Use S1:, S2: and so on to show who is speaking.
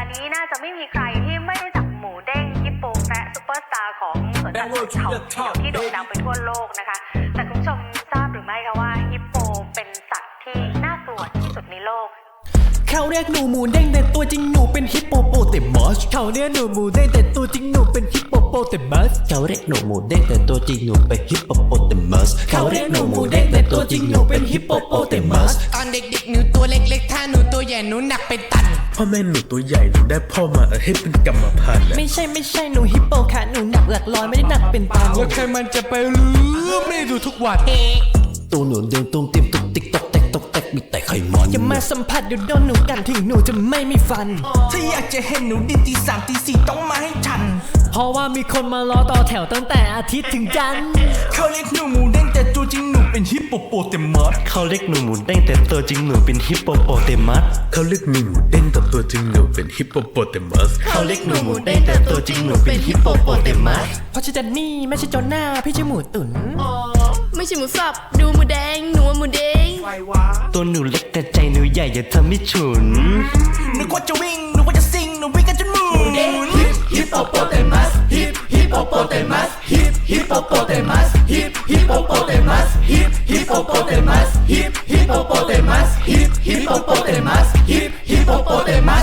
S1: นี้น่าจะไม่มีใครที่ไม่รู้จักหมูเด้งฮิปโปแคระซุปเปอร์สตาร์ของสวนสัตว์เขาเขียวที่โด่งดังไปทั่วโลกนะคะแต่คุณผู้ชมทราบหรือไม่คะว่าฮิปโปเป็นสัตว์ที่น่ากลัวที่สุดในโลก
S2: เขาเรียกหนูหมูเด้งแต่ตัวจริงหนูเป็นฮิปโปโปเตมัสเขาเรียกหนูหมูเด้งแต่ตัวจริงหนูเป็นฮิปโปโปเตมัสเขาเรียกหนูหมูเด้งแต่ตัวจริงหนูเป็นฮิปโปโปเตมัสเขาเรียกหนูหมูเด้งแต่ตัวจริงหนูเป็นฮิปโปโปเตมัส
S3: ตอนเด็กๆหนูตัวเล็กๆถ้าหนูตัวใหญ่หนูหนักเป็นตัน
S4: พ่อแม่หนูตัวใหญ่หนูได้พ่อมาให้เป็นกรรมพันธุ์
S2: ไม่ใช่หนูฮิปโปค่ะหนูหนักหลักร้อยไม่ได้หนักเป็นตัน
S3: แล้วใครมันจะไปรู้ไม่ได้ดูทุกวัน
S2: ตัวหนูเดินตุ้มติ้มตุกติ๊กตกแตกตกแตกมีแต่ไขมันอย่ามาสัมผัสเดี๋ยวโดนหนูกันถึงหนูจะไม่มีฟัน
S3: ถ้าอยากจะเห็นหนูดินตีสามตีสี่ต้องมาให้ทัน
S2: เพราะว่ามีคนมารอต่อแถวตั้งแต่อาทิตย์ถึงจันทร์
S3: เขาเรียกหนูหมูเด้งแต่ตัวจริงหนูเป็นฮิปโปโปเตมัส
S2: เขาเรียกหนูหมูเด้งแต่ตัวจริงหนูเป็นฮิปโปโปเตมัส
S4: เขาเรียกหนูหมูเด้งแต่ตัวจริงหนูเป็นฮิปโปโปเตมัส
S2: เขาเรียกหนูหมูเด้งแต่ตัวจริงหนูเป็นฮิปโปโปเตมัสเพราะฉันจะนี่ไม่ใช่โจน่าพี่ชื่อหมูตุ๋น
S5: ไม่ใช่หมูสับดูหมูแดงหนูหมูเด้ง
S2: ตัวหนูเล็กแต่ใจหนูใหญ่อย่าทำให้ฉุน
S3: นึกว่าจะวิ่งนึกว่าจะซิงหนูวิ่งกันจนหมุน
S2: ฮิปโปโปเตมัสฮิปโปโปเตมัสฮิปโปโปเตมัสฮิปโปโปเตมัสฮิปโปโปเตมัสฮิปโปโปเตมัสฮิปโปโปเตมัสฮิปโปโปเตมัส